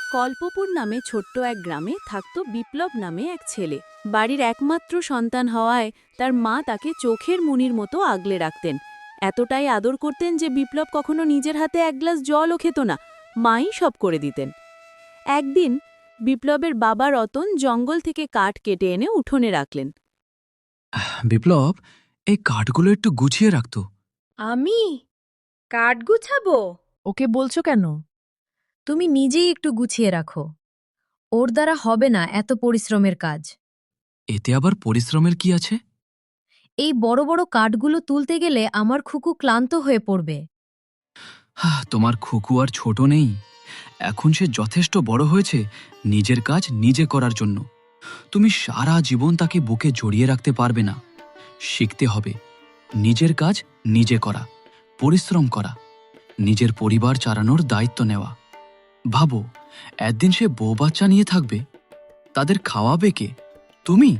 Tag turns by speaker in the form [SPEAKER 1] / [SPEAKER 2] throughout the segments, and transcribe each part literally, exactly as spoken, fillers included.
[SPEAKER 1] কল্পপুর নামে ছোট্ট এক গ্রামে থাকত বিপ্লব নামে এক ছেলে। বাড়ির একমাত্র সন্তান হওয়ায় তার মা তাকে চোখের মণির মতো আগলে রাখতেন। এতটাই আদর করতেন যে বিপ্লব কখনো নিজের হাতে এক গ্লাস জলও খেত না, মাই সব করে দিতেন। একদিন বিপ্লবের বাবা রতন জঙ্গল থেকে কাঠ কেটে এনে উঠোনে রাখলেন।
[SPEAKER 2] বিপ্লব, এই কাঠগুলো একটু গুছিয়ে রাখতো।
[SPEAKER 3] আমি কাঠ গুছাবো?
[SPEAKER 4] ওকে বলছো কেন?
[SPEAKER 3] তুমি নিজেই একটু গুছিয়ে রাখো। ওর দ্বারা হবে না এত পরিশ্রমের কাজ।
[SPEAKER 2] এতে আবার পরিশ্রমের কি আছে?
[SPEAKER 3] এই বড় বড় কাঠগুলো তুলতে গেলে আমার খুকু ক্লান্ত হয়ে পড়বে।
[SPEAKER 2] হাহ, তোমার খুকু আর ছোট নেই, এখন সে যথেষ্ট বড় হয়েছে নিজের কাজ নিজে করার জন্য। তুমি সারা জীবন তাকে বুকে জড়িয়ে রাখতে পারবে না। শিখতে হবে নিজের কাজ নিজে করা, পরিশ্রম করা, নিজের পরিবার চালানোর দায়িত্ব নেওয়া। ভাবো, একদিন সে বউ বাচ্চা নিয়ে থাকবে, তাদের খাওয়াবে কে? তুমি।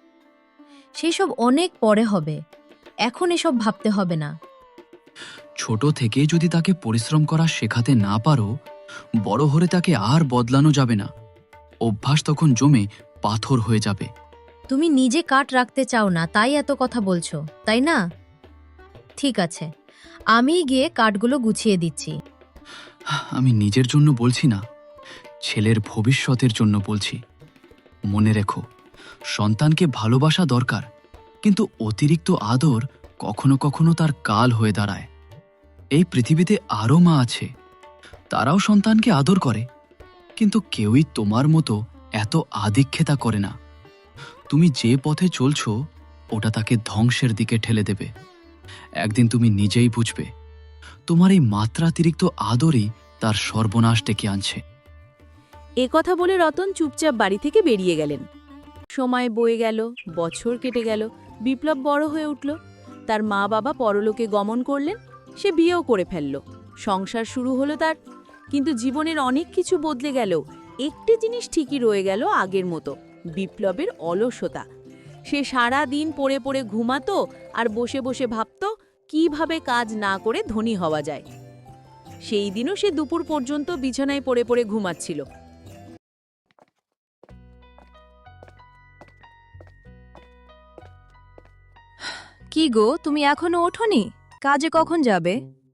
[SPEAKER 3] সেসব অনেক পরে হবে, এখন এসব ভাবতে হবে না।
[SPEAKER 2] ছোট থেকে যদি তাকে পরিশ্রম করা শেখাতে না পারো, বড় হলে তাকে আর বদলানো যাবে না। অভ্যাস তখন জমে পাথর হয়ে যাবে।
[SPEAKER 3] তুমি নিজে কাঠ রাখতে চাও না, তাই এত কথা বলছো, তাই না? ঠিক আছে, আমিই গিয়ে কাঠগুলো গুছিয়ে দিচ্ছি।
[SPEAKER 2] আমি নিজের জন্য বলছি না, ছেলের ভবিষ্যতের জন্য বলছি। মনে রেখো, সন্তানকে ভালোবাসা দরকার, কিন্তু অতিরিক্ত আদর কখনো কখনো তার কাল হয়ে দাঁড়ায়। এই পৃথিবীতে আরও মা আছে, তারাও সন্তানকে আদর করে, কিন্তু কেউই তোমার মতো এত আদিক্ষেতা করে না। তুমি যে পথে চলছো ওটা তাকে ধ্বংসের দিকে ঠেলে দেবে। একদিন তুমি নিজেই বুঝবে, তোমার এই মাত্রাতিরিক্ত আদরই তার সর্বনাশ ডেকে আনছে।
[SPEAKER 1] এ কথা বলে রতন চুপচাপ বাড়ি থেকে বেরিয়ে গেলেন। সময় বয়ে গেল, বছর কেটে গেল, বিপ্লব বড় হয়ে উঠল। তার মা বাবা পরলোকে গমন করলেন, সে বিয়েও করে ফেলল, সংসার শুরু হলো তার। কিন্তু জীবনের অনেক কিছু বদলে গেল, একটি জিনিস ঠিকই রয়ে গেল আগের মতো, বিপ্লবের অলসতা। সে সারা দিন পড়ে পড়ে ঘুমাতো আর বসে বসে ভাবত কিভাবে কাজ না করে ধনী হওয়া যায়। সেই দিনও সে দুপুর পর্যন্ত বিছানায় পড়ে পড়ে ঘুমাচ্ছিল।
[SPEAKER 4] কি গো, তুমি এখনো ওঠোনি? কাজে কখন যাবে?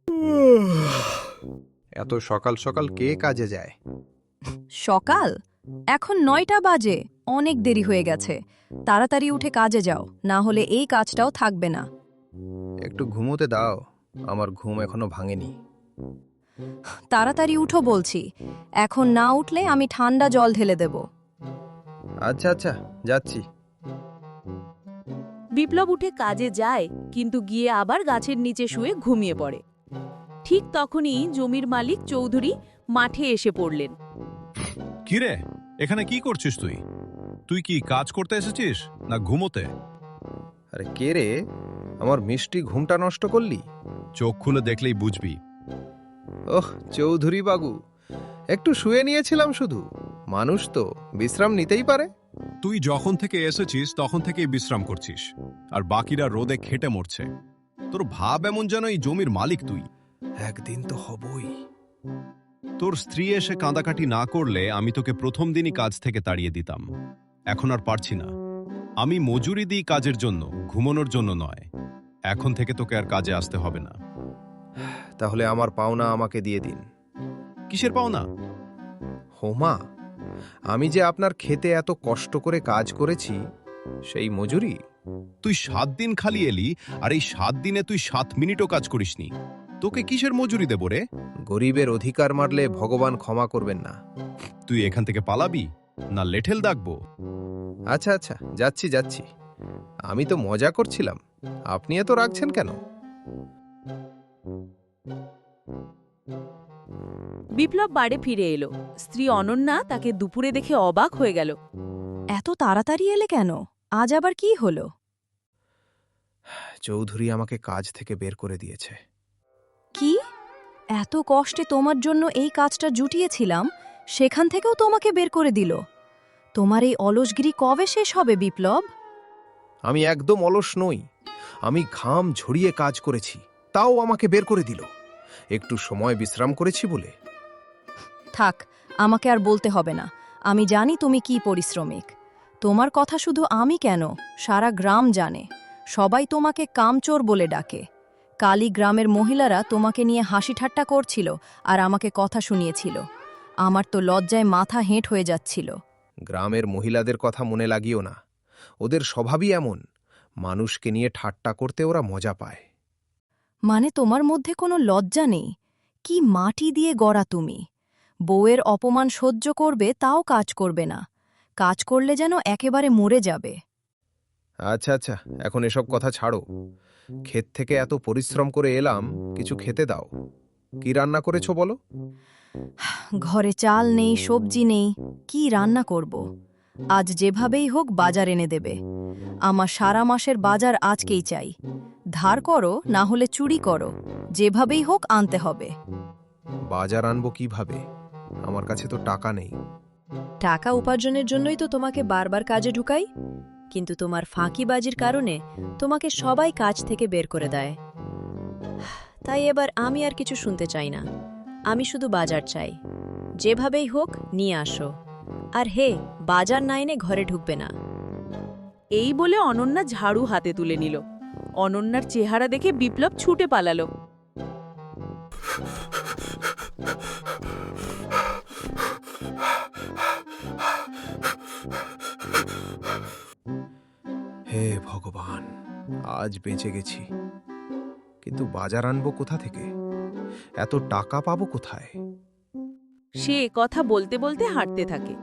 [SPEAKER 5] এত সকাল সকাল কে কাজে যায়?
[SPEAKER 4] সকাল? এখন নয়টা বাজে, অনেক দেরি হয়ে গেছে। তাড়াতাড়ি উঠে কাজে যাও, না হলে এই কাজটাও থাকবে না।
[SPEAKER 5] একটু ঘুমোতে দাও, আমার ঘুম এখনো ভাঙেনি।
[SPEAKER 4] তাড়াতাড়ি উঠো বলছি, এখন না উঠলে আমি ঠান্ডা জল ঢেলে দেব।
[SPEAKER 5] আচ্ছা আচ্ছা, যাচ্ছি।
[SPEAKER 1] বিপ্লব উঠে কাজে যায়, কিন্তু গিয়ে আবার গাছের নিচে শুয়ে ঘুমিয়ে পড়ে। ঠিক তখনই জমির মালিক চৌধুরী মাঠে এসে পড়লেন।
[SPEAKER 6] কিরে, এখানে কি করছিস তুই? তুই কি কাজ করতে এসেছিস না ঘুমোতে?
[SPEAKER 5] আরে কে রে, আমার মিষ্টি ঘুমটা নষ্ট করলি?
[SPEAKER 6] চোখ খুলে দেখলেই বুঝবি।
[SPEAKER 5] ওহ চৌধুরী বাবু, একটু শুয়ে নিয়েছিলাম শুধু। মানুষ তো বিশ্রাম নিতেই পারে।
[SPEAKER 6] তুই যখন থেকে এসেছিস তখন থেকেই বিশ্রাম করছিস, আর বাকিরা রোদে খেটে মরছে। তোর ভাব এমন যেন এই জমির মালিক তুই।
[SPEAKER 5] একদিন তো হবই।
[SPEAKER 6] তোর স্ত্রী এসে কাঁদাকাটি না করলে আমি তোকে প্রথম দিনই কাজ থেকে তাড়িয়ে দিতাম। এখন আর পারছি না। আমি মজুরি দিই কাজের জন্য, ঘুমানোর জন্য নয়। এখন থেকে তোকে আর কাজে আসতে হবে না।
[SPEAKER 5] তাহলে আমার পাওনা আমাকে দিয়ে দিন।
[SPEAKER 6] কিসের পাওনা?
[SPEAKER 5] হোমা, আমি যে আপনার খেতে এত কষ্ট করে কাজ করেছি, সেই মজুরি।
[SPEAKER 6] তুই সাত দিন খালি এলি, আর এই সাত দিনে তুই সাত মিনিটও কাজ করিসনি। তোকে কিসের মজুরি দেব রে?
[SPEAKER 5] গরিবের অধিকার মারলে ভগবান ক্ষমা করবেন না।
[SPEAKER 6] তুই এখান থেকে পালাবি না লেঠেল দাগবো?
[SPEAKER 5] আচ্ছা আচ্ছা, যাচ্ছি যাচ্ছি। আমি তো মজা করছিলাম, আপনি এত রাখছেন কেন?
[SPEAKER 1] বিপ্লব বাড়ি ফিরে এলো। স্ত্রী অনন্যা তাকে দুপুরে দেখে অবাক হয়ে গেল।
[SPEAKER 4] এত তাড়াতাড়ি এলে কেন? আজ আবার কি হলো?
[SPEAKER 5] চৌধুরী আমাকে কাজ থেকে বের করে দিয়েছে।
[SPEAKER 4] কি? এত কষ্টে তোমার জন্য এই কাজটা জুটিয়েছিলাম, সেখান থেকেও তোমাকে বের করে দিল? তোমার এই অলসগিরি কবে শেষ হবে বিপ্লব?
[SPEAKER 5] আমি একদম অলস নই, আমি ঘাম ঝরিয়ে কাজ করেছি, তাও আমাকে বের করে দিল। একটু সময় বিশ্রাম করেছি বলে।
[SPEAKER 4] থাক, আমাকে আর বলতে হবে না, আমি জানি তুমি কি পরিশ্রমিক। তোমার কথা শুধু আমি কেন, সারা গ্রাম জানে। সবাই তোমাকে কামচোর বলে ডাকে। কালী গ্রামের মহিলারা তোমাকে নিয়ে হাসি ঠাট্টা করছিল আর আমাকে কথা শুনিয়েছিল। আমার তো লজ্জায় মাথা হেঁট হয়ে যাচ্ছিল।
[SPEAKER 5] গ্রামের মহিলাদের কথা মনে লাগিও না, ওদের স্বভাবই এমন। মানুষকে নিয়ে ঠাট্টা করতে ওরা মজা পায়।
[SPEAKER 4] মানে তোমার মধ্যে কোনো লজ্জা নেই? কি মাটি দিয়ে গড়া তুমি! বউয়ের অপমান সহ্য করবে, তাও কাজ করবে না। কাজ করলে যেন একেবারে মরে যাবে।
[SPEAKER 5] আচ্ছা আচ্ছা, এখন এসব কথা ছাড়ো। ক্ষেত থেকে এত পরিশ্রম করে এলাম, কিছু খেতে দাও। কি রান্না করেছো বলো?
[SPEAKER 4] ঘরে চাল নেই, সবজি নেই, কি রান্না করব? আজ যেভাবেই হোক বাজার এনে দেবে। আমার সারা মাসের বাজার আজকেই চাই। ধার করো, না হলে চুরি করো, যেভাবেই হোক আনতে হবে।
[SPEAKER 5] বাজার আনবো কিভাবে? আমার কাছে তো টাকা নেই।
[SPEAKER 7] টাকা উপার্জনের জন্যই তো তোমাকে বারবার কাজে ঢুকাই, কিন্তু তোমার ফাঁকিবাজির কারণে তোমাকে সবাই কাজ থেকে বের করে দেয়। তাই এবার আমি আর কিছু শুনতে চাই না, আমি শুধু বাজার চাই। যেভাবেই হোক নিয়ে আসো। আর হে, বাজার না এনে ঘরে ঢুকবে না।
[SPEAKER 1] এই বলে অনন্যা ঝাড়ু হাতে তুলে নিল। অনন্যার চেহারা দেখে বিপ্লব ছুটে পালালো।
[SPEAKER 5] হে ভগবান, আজ বেঁচে গেছি। কিন্তু বাজার আনবো কোথা থেকে? এত টাকা পাবো কোথায়?
[SPEAKER 1] সে কথা বলতে বলতে হাঁটতে থাকে।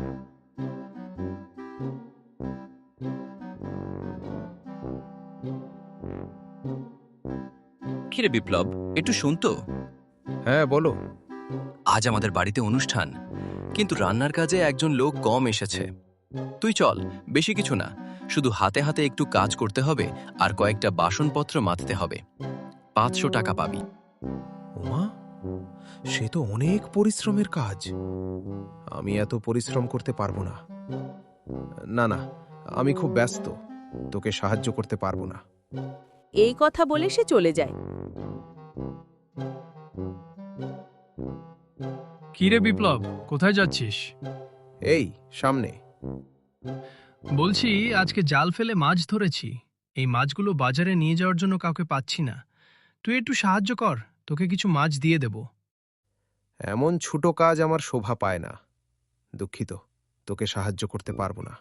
[SPEAKER 2] কিরে বিপ্লব, একটু শুন তো।
[SPEAKER 5] হ্যাঁ বলো।
[SPEAKER 2] আজ আমাদের বাড়িতে অনুষ্ঠান, কিন্তু রান্নার কাজে একজন লোক কম এসেছে। তুই চল, বেশি কিছু না, শুধু হাতে হাতে একটু কাজ করতে হবে আর কয়েকটা বাসনপত্র মাজতে হবে। পাঁচশো টাকা পাবি।
[SPEAKER 5] ওমা, সে তো অনেক পরিশ্রমের কাজ। আমি এত পরিশ্রম করতে পারবো না। না না, আমি খুব ব্যস্ত, তোকে সাহায্য করতে পারবো না।
[SPEAKER 1] এই কথা বলে সে চলে যায়।
[SPEAKER 8] কিরে বিপ্লব, কোথায় যাচ্ছিস?
[SPEAKER 5] এই সামনে।
[SPEAKER 8] বলছি, আজকে জাল ফেলে মাছ ধরেছি। এই মাছগুলো বাজারে নিয়ে যাওয়ার জন্য কাউকে পাচ্ছি না। তুই একটু সাহায্য কর, তোকে কিছু মাছ দিয়ে দেব।
[SPEAKER 5] এমন ছোট কাজ আমার শোভা পায় না। দুঃখিত, তোকে সাহায্য করতে পারবো না।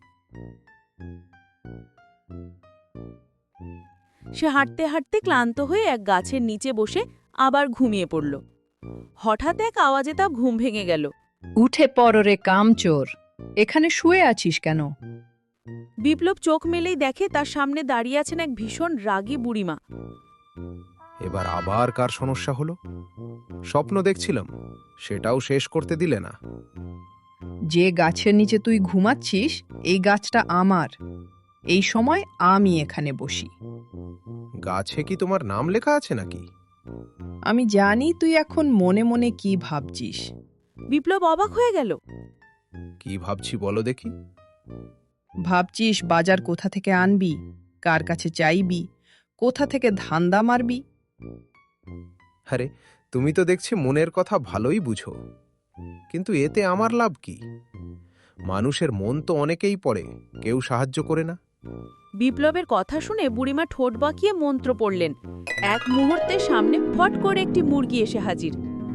[SPEAKER 1] সে হাঁটতে হাঁটতে ক্লান্ত হয়ে এক গাছের নিচে বসে আবার ঘুমিয়ে পড়ল। হঠাৎ এক আওয়াজে তার ঘুম ভেঙে গেল।
[SPEAKER 9] উঠে পড় রে কামচোর, এখানে শুয়ে আছিস কেন?
[SPEAKER 1] বিপ্লব চোখ মেলেই দেখে তার সামনে দাঁড়িয়ে আছেন এক ভীষণ রাগী বুড়িমা।
[SPEAKER 5] এবার আবার কার সমস্যা হলো? স্বপ্ন দেখছিলাম, সেটাও শেষ করতে দিলে না।
[SPEAKER 9] যে গাছের নিচে তুই ঘুমাচ্ছিস, এই গাছটা আমার। এই সময় আমি এখানে বসি।
[SPEAKER 5] গাছে কি তোমার নাম লেখা আছে নাকি?
[SPEAKER 9] আমি জানি তুই এখন মনে মনে কি ভাবছিস।
[SPEAKER 1] বিপ্লব অবাক হয়ে গেল।
[SPEAKER 5] কি ভাবছি বলো দেখি।
[SPEAKER 9] ভাবছিস বাজার কোথা থেকে আনবি, কার কাছে চাইবি, কোথা থেকে ধান্দা মারবি।
[SPEAKER 5] আরে, তুমি তো দেখছি মনের কথা ভালোই বুঝো, কিন্তু এতে আমার লাভ কি? মানুষের মন তো অনেকেই পড়ে, কেউ সাহায্য করে না।
[SPEAKER 1] বিপ্লবের কথা শুনে বুড়িমা ঠোঁট বাঁকিয়ে মন্ত্র পড়লেন। এক মুহূর্তে সামনে ফট করে একটি মুরগি এসে হাজির।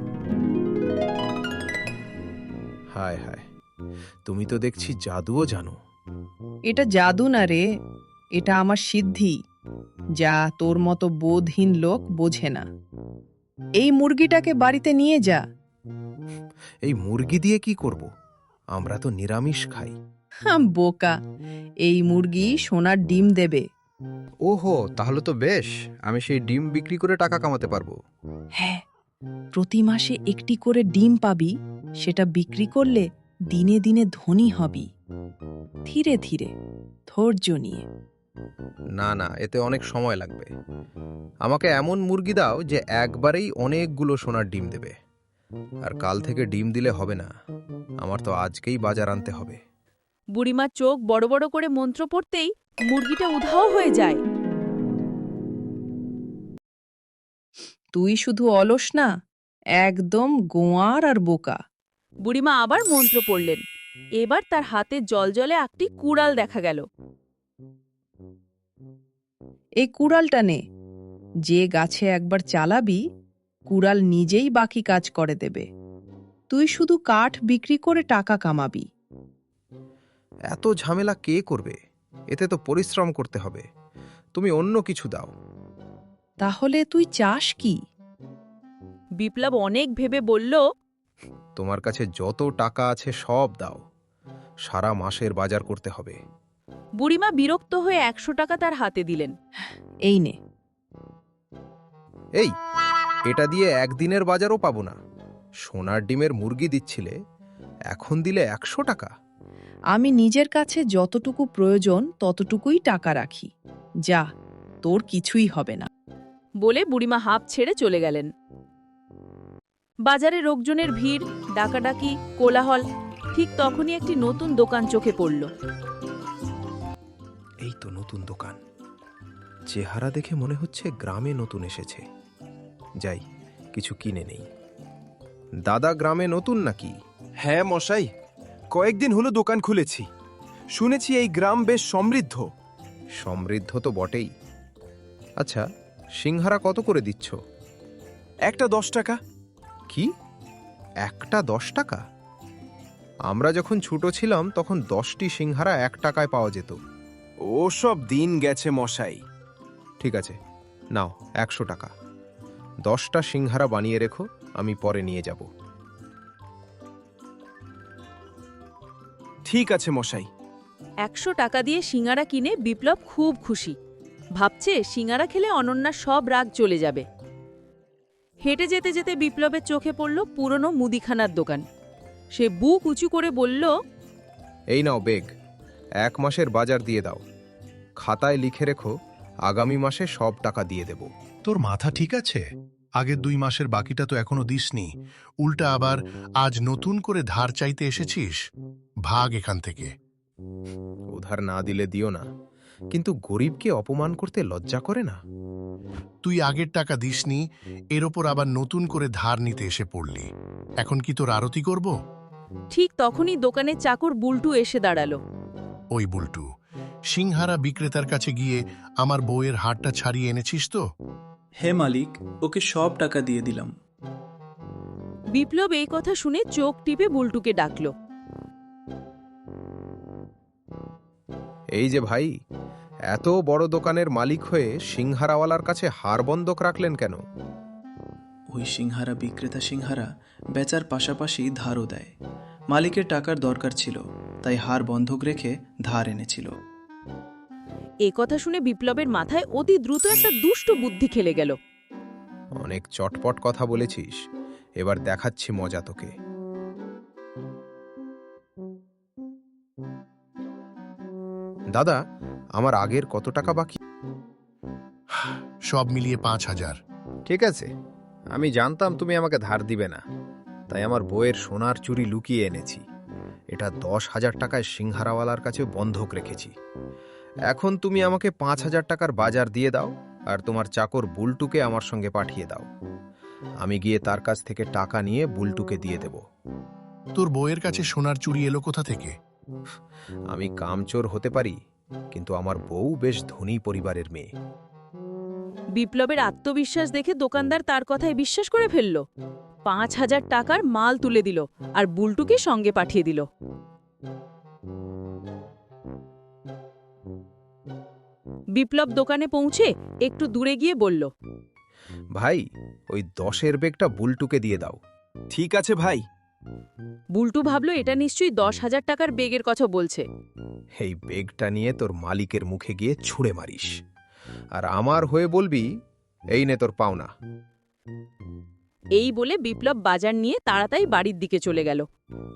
[SPEAKER 5] হায় হায়, তুমি তো দেখছি জাদুও জানো।
[SPEAKER 9] এটা জাদু না রে, এটা আমার সিদ্ধি, যা তোর মতো বোধহীন লোক বোঝে না। এই মুরগিটাকে বাড়িতে নিয়ে যা।
[SPEAKER 5] এই মুরগি দিয়ে কি করব? আমরা তো নিরামিষ খাই।
[SPEAKER 9] হাম, বোকা, এই মুরগি সোনার ডিম দেবে।
[SPEAKER 10] ওহো, তাহলে তো বেশ, আমি সেই ডিম বিক্রি করে টাকা কামাতে পারবো।
[SPEAKER 9] হ্যাঁ, প্রতি মাসে একটি করে ডিম পাবি, সেটা বিক্রি করলে দিনে দিনে ধনী হবি। ধীরে ধীরে, ধৈর্য নিয়ে।
[SPEAKER 10] না না, এতে অনেক সময় লাগবে। আমাকে এমন মুরগি দাও যে একবারেই অনেকগুলো সোনার ডিম দেবে। আর কাল থেকে ডিম দিলে হবে না, আমার তো আজকেই বাজার আনতে হবে।
[SPEAKER 1] বুড়িমার চোখ বড় বড় করে মন্ত্র পড়তেই মুরগিটা উধাও হয়ে যায়।
[SPEAKER 9] তুই শুধু অলস না, একদম গোয়ার আর বোকা।
[SPEAKER 1] বুড়িমা আবার মন্ত্র পড়লেন। এবার তার হাতে জলজলে একটি কুড়াল দেখা গেল।
[SPEAKER 9] এই কুড়ালটা নে, যে গাছে একবার চালাবি কুড়াল নিজেই বাকি কাজ করে দেবে। তুই শুধু কাঠ বিক্রি করে টাকা কামাবি।
[SPEAKER 10] এত ঝামেলা কে করবে? এতে তো পরিশ্রম করতে হবে। তুমি অন্য কিছু দাও।
[SPEAKER 9] তাহলে তুই চাস কি?
[SPEAKER 1] বিপ্লব অনেক ভেবে বলল,
[SPEAKER 10] তোমার কাছে যত টাকা আছে সব দাও। সারা মাসের বাজার করতে হবে।
[SPEAKER 1] বুড়িমা বিরক্ত হয়ে একশো টাকা তার হাতে দিলেন।
[SPEAKER 9] এই নে।
[SPEAKER 10] এই, এটা দিয়ে একদিনের বাজারও পাবো না। সোনার ডিমের মুরগি দিচ্ছিলে, এখন দিলে একশো টাকা।
[SPEAKER 9] আমি নিজের কাছে যতটুকু প্রয়োজন ততটুকুই টাকা রাখি। যা, তোর কিছুই হবে না।
[SPEAKER 1] বলে বুড়িমা হাঁপ ছেড়ে চলে গেলেন। বাজারে লোকজনের ভিড়, ডাকাডাকি, কোলাহল। ঠিক তখনই একটি নতুন দোকান চোখে পড়ল।
[SPEAKER 10] এই তো নতুন দোকান। চেহারা দেখে মনে হচ্ছে গ্রামে নতুন এসেছে। যাই, কিছু কিনে নেই। দাদা গ্রামে নতুন নাকি?
[SPEAKER 11] হ্যাঁ মশাই, কয়েকদিন হলো দোকান খুলেছি। শুনেছি এই গ্রাম বেশ সমৃদ্ধ।
[SPEAKER 10] সমৃদ্ধ তো বটেই। আচ্ছা, সিংহারা কত করে দিচ্ছ?
[SPEAKER 11] একটা দশ টাকা।
[SPEAKER 10] কি, একটা দশ টাকা? আমরা যখন ছোট ছিলাম তখন দশটি সিংহারা এক টাকায় পাওয়া যেত।
[SPEAKER 11] ওসব দিন গেছে মশাই।
[SPEAKER 10] ঠিক আছে, নাও একশো টাকা। দশটা সিংহারা বানিয়ে রেখো, আমি পরে নিয়ে যাব।
[SPEAKER 11] ঠিক আছে মশাই।
[SPEAKER 1] একশো টাকা দিয়ে সিঙ্গারা কিনে বিপ্লব খুব খুশি। ভাবছে সিঙ্গারা খেলে অনন্যার সব রাগ চলে যাবে। হেঁটে যেতে যেতে বিপ্লবের চোখে পড়ল পুরনো মুদিখানার দোকান। সে বুক উঁচু করে বলল,
[SPEAKER 10] এই নাও বেগ, এক মাসের বাজার দিয়ে দাও। খাতায় লিখে রেখো, আগামী মাসে সব টাকা দিয়ে দেব।
[SPEAKER 12] তোর মাথা ঠিক আছে? আগের দুই মাসের বাকিটা তো এখনো দিসনি, উল্টা আবার আজ নতুন করে ধার চাইতে এসেছিস। ভাগ এখান থেকে।
[SPEAKER 10] উধার না দিলে দিও না, কিন্তু গরিবকে অপমান করতে লজ্জা করে না?
[SPEAKER 12] তুই আগের টাকা দিসনি, এর ওপর আবার নতুন করে ধার নিতে এসে পড়লি। এখন কি তোর আরতি করব?
[SPEAKER 1] ঠিক তখনই দোকানে চাকর বুলটু এসে দাঁড়ালো।
[SPEAKER 12] ওই বুলটু, সিংহারা বিক্রেতার কাছে গিয়ে আমার বউয়ের হাড়টা ছাড়িয়ে এনেছিস তো?
[SPEAKER 13] হে মালিক, ওকে সব টাকা দিয়ে দিলাম।
[SPEAKER 1] বিপ্লব এই কথা শুনে চোখ টিপে বুলটুকে ডাকল।
[SPEAKER 10] এই যে ভাই, এত বড় দোকানের মালিক হয়ে সিংহারাওয়ালার কাছে হার বন্ধক রাখলেন কেন?
[SPEAKER 13] ওই সিংহারা বিক্রেতা সিংহারা বেচার পাশাপাশি ধারও দেয়। মালিকের টাকার দরকার ছিল, তাই হার বন্ধক রেখে ধার এনেছিল।
[SPEAKER 1] এ কথা শুনে বিপ্লবের মাথায় অতি দ্রুত একটা দুষ্ট বুদ্ধি খেলে গেল।
[SPEAKER 10] অনেক চটপট কথা বলেছিস, এবার দেখাচ্ছি মজা তোকে। দাদা, আমার আগের কত টাকা বাকি?
[SPEAKER 12] সব মিলিয়ে পাঁচ হাজার।
[SPEAKER 10] ঠিক আছে, আমি জানতাম তুমি আমাকে ধার দিবে না, তাই আমার বউয়ের সোনার চুড়ি লুকিয়ে এনেছি। এটা দশ হাজার টাকায় সিংহারাওয়ালার কাছে বন্ধক রেখেছি। এখন তুমি আমাকে পাঁচ হাজার টাকার বাজার দিয়ে দাও, আর তোমার চাকর বুলটুকে আমার সঙ্গে পাঠিয়ে দাও। আমি গিয়ে তার কাছ থেকে টাকা নিয়ে বুলটুকে দিয়ে দেব।
[SPEAKER 12] তোর বউয়ের কাছে সোনার চুড়ি এলো কোথা থেকে?
[SPEAKER 10] আমি কামচোর হতে পারি, কিন্তু আমার বউ বেশ ধনী পরিবারের মেয়ে।
[SPEAKER 1] বিপ্লবের আত্মবিশ্বাস দেখে দোকানদার তার কথায় বিশ্বাস করে ফেলল। পাঁচ হাজার টাকার মাল তুলে দিল আর বুলটুকে সঙ্গে পাঠিয়ে দিল। বিপ্লব দোকানে পৌঁছে একটু দূরে গিয়ে বলল,
[SPEAKER 10] ভাই, ওই দশের বেগটা বুলটুকে দিয়ে দাও।
[SPEAKER 11] ঠিক আছে ভাই।
[SPEAKER 1] বুলটু ভাবল এটা নিশ্চয়ই দশ হাজার টাকার বেগের কথা বলছে।
[SPEAKER 10] এই বেগটা নিয়ে তোর মালিকের মুখে গিয়ে ছুঁড়ে মারিস, আর আমার হয়ে বলবি, এই নে তোর পাওনা।
[SPEAKER 1] এই বলে বিপ্লব বাজার নিয়ে তাড়াতাড়ি বাড়ির দিকে চলে গেল।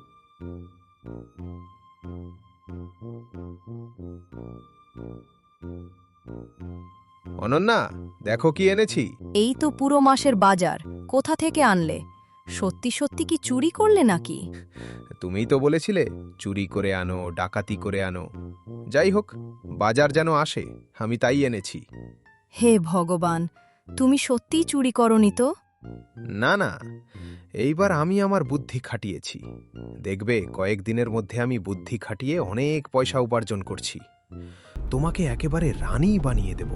[SPEAKER 10] অনন্যা, দেখো কি এনেছি।
[SPEAKER 4] এই তো পুরো মাসের বাজার। কোথা থেকে আনলে? সত্যি সত্যি কি চুরি করলে নাকি?
[SPEAKER 10] তুমিই তো বলেছিলে চুরি করে আনো, ডাকাতি করে আনো। যাই হোক, বাজার যেন আসে, আমি তাই এনেছি।
[SPEAKER 4] হে ভগবান, তুমি সত্যিই চুরি করনি তো?
[SPEAKER 10] না না,
[SPEAKER 5] এইবার আমি আমার বুদ্ধি খাটিয়েছি। দেখবে কয়েকদিনের মধ্যে আমি বুদ্ধি খাটিয়ে অনেক পয়সা উপার্জন করছি। তোমাকে একেবারে রানী বানিয়ে দেব।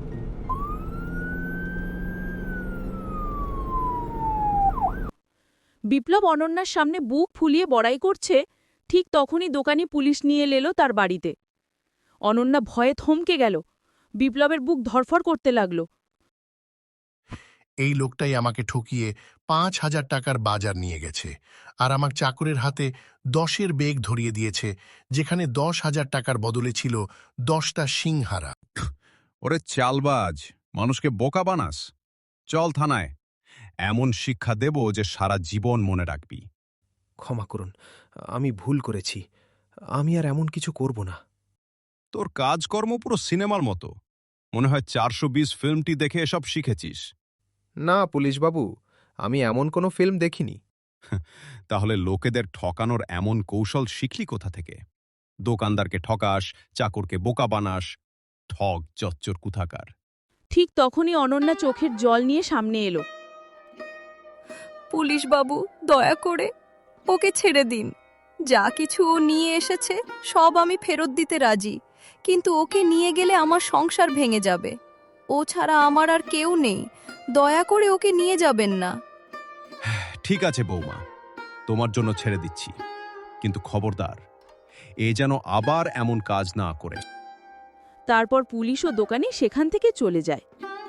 [SPEAKER 1] বিপ্লব অনন্যার সামনে বুক ফুলিয়ে বড়াই করছে, ঠিক তখনই দোকানি পুলিশ নিয়ে এলো তার বাড়িতে। অনন্যা ভয়ে থমকে গেল। বিপ্লবের বুক ধরফর করতে লাগল।
[SPEAKER 12] এই লোকটাই আমাকে ঠকিয়ে পাঁচ হাজার টাকার বাজার নিয়ে গেছে, আর আমার চাকরের হাতে দশের বেগ ধরিয়ে দিয়েছে, যেখানে দশ হাজার টাকার বদলে ছিল দশটা সিংহারা।
[SPEAKER 6] ওরে চালবাজ, মানুষকে বোকা বানাস। চল থানায়, এমন শিক্ষা দেব যে সারা জীবন মনে রাখবি।
[SPEAKER 5] ক্ষমা করুন, আমি ভুল করেছি। আমি আর এমন কিছু করব না।
[SPEAKER 6] তোর কাজকর্ম পুরো সিনেমার মতো। মনে হয় চারশো বিশ ফিল্মটি দেখে এসব শিখেছিস।
[SPEAKER 5] না পুলিশবাবু, আমি এমন কোনো ফিল্ম দেখিনি।
[SPEAKER 6] তাহলে লোকেদের ঠকানোর এমন কৌশল শিখলি কোথা থেকে? দোকানদারকে ঠকাস, চাকরকে বোকা বানাস, ঠক চচ্চর কুথাকার।
[SPEAKER 1] ঠিক তখনই অনন্যা চোখের জল নিয়ে সামনে এলো।
[SPEAKER 4] পুলিশ বাবু, দয়া করে ওকে ছেড়ে দিন। যা কিছু ও নিয়ে এসেছে সব আমি ফেরত দিতে রাজি, কিন্তু ওকে নিয়ে গেলে আমার সংসার ভেঙে যাবে। ও ছাড়া আমার আর কেউ নেই। দয়া করে ওকে নিয়ে যাবেন না।
[SPEAKER 6] ঠিক আছে বৌমা, তোমার জন্য ছেড়ে দিচ্ছি, কিন্তু খবরদার এ যেন আবার এমন কাজ না করে।
[SPEAKER 1] তারপর পুলিশ ও দোকানি সেখান থেকে চলে যায়।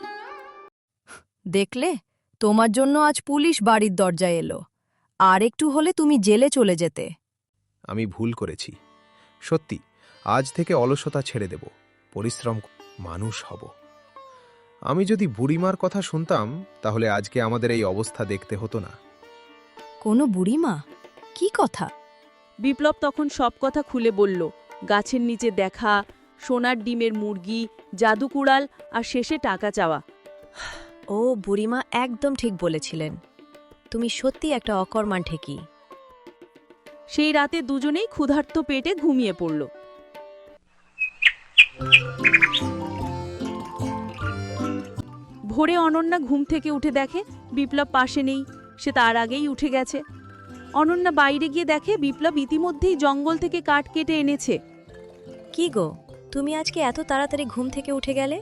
[SPEAKER 4] দেখলে, তোমার জন্য আজ পুলিশ বাড়ির দরজায় এলো। আর একটু হলে তুমি জেলে চলে যেতে।
[SPEAKER 5] আমি ভুল করেছি। সত্যি, আজ থেকে অলসতা ছেড়ে দেব, পরিশ্রম ক- মানুষ হব। আমি যদি বুড়িমার কথা শুনতাম, তাহলে আজকে আমাদের এই অবস্থা দেখতে হতো না।
[SPEAKER 4] কোনো বুড়িমা? কি কথা?
[SPEAKER 1] বিপ্লব তখন সব কথা খুলে বলল। গাছের নিচে দেখা, সোনার ডিমের মুরগি, জাদুকুড়াল আর শেষে টাকা চাওয়া।
[SPEAKER 7] ও বুড়িমা একদম ঠিক বলেছিলেন। তুমি সত্যি একটা অকর্মাণ ঠেকি।
[SPEAKER 1] সেই রাতে দুজনেই ক্ষুধার্ত পেটে ঘুমিয়ে পড়ল। ভোরে অনন্যা ঘুম থেকে উঠে দেখে বিপ্লব পাশে নেই। সে তার আগেই উঠে গেছে। অনন্যা বাইরে গিয়ে দেখে বিপ্লব ইতিমধ্যেই জঙ্গল থেকে কাঠ কেটে এনেছে।
[SPEAKER 7] কি গো, তুমি আজকে এত তাড়াতাড়ি ঘুম থেকে উঠে গেলে?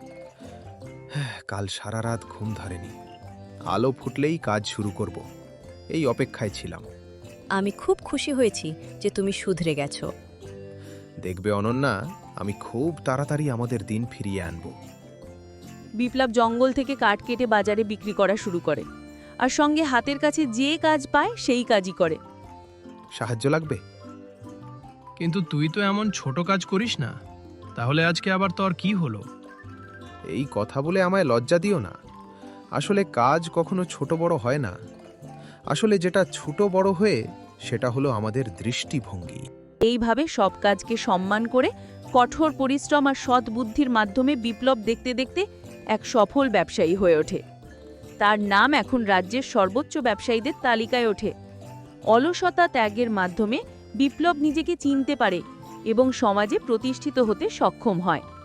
[SPEAKER 5] কাল সারা রাত ঘুম ধরেনি। আলো ফুটলেই কাজ শুরু করব, এই অপেক্ষায় ছিলাম।
[SPEAKER 7] আমি খুব খুশি হয়েছি যে তুমি শুধরে গেছো।
[SPEAKER 5] দেখবে অনন্যা, আমি খুব তাড়াতাড়ি আমাদের দিন ফিরিয়ে আনব।
[SPEAKER 1] বিপ্লব জঙ্গল থেকে কাঠ কেটে বাজারে বিক্রি করা শুরু করে, আর সঙ্গে হাতের কাছে যে কাজ পায় সেই কাজই করে।
[SPEAKER 5] সাহায্য লাগবে?
[SPEAKER 8] কিন্তু তুই তো এমন ছোট কাজ করিস না, তাহলে আজকে আবার তোর কি হলো?
[SPEAKER 5] এই কথা বলে আমায় লজ্জা দিও না। আসলে কাজ কখনো ছোট বড় হয় না। আসলে যেটা ছোট বড় হয়ে, সেটা হলো আমাদের দৃষ্টিভঙ্গি।
[SPEAKER 1] এইভাবে সব কাজকে সম্মান করে কঠোর পরিশ্রম আর সৎ বুদ্ধির মাধ্যমে বিপ্লব দেখতে দেখতে এক সফল ব্যবসায়ী হয়ে ওঠে। তার নাম এখন রাজ্যের সর্বোচ্চ ব্যবসায়ীদের তালিকায় ওঠে। অলসতা ত্যাগের মাধ্যমে বিপ্লব নিজেকে চিনতে পারে এবং সমাজে প্রতিষ্ঠিত হতে সক্ষম হয়।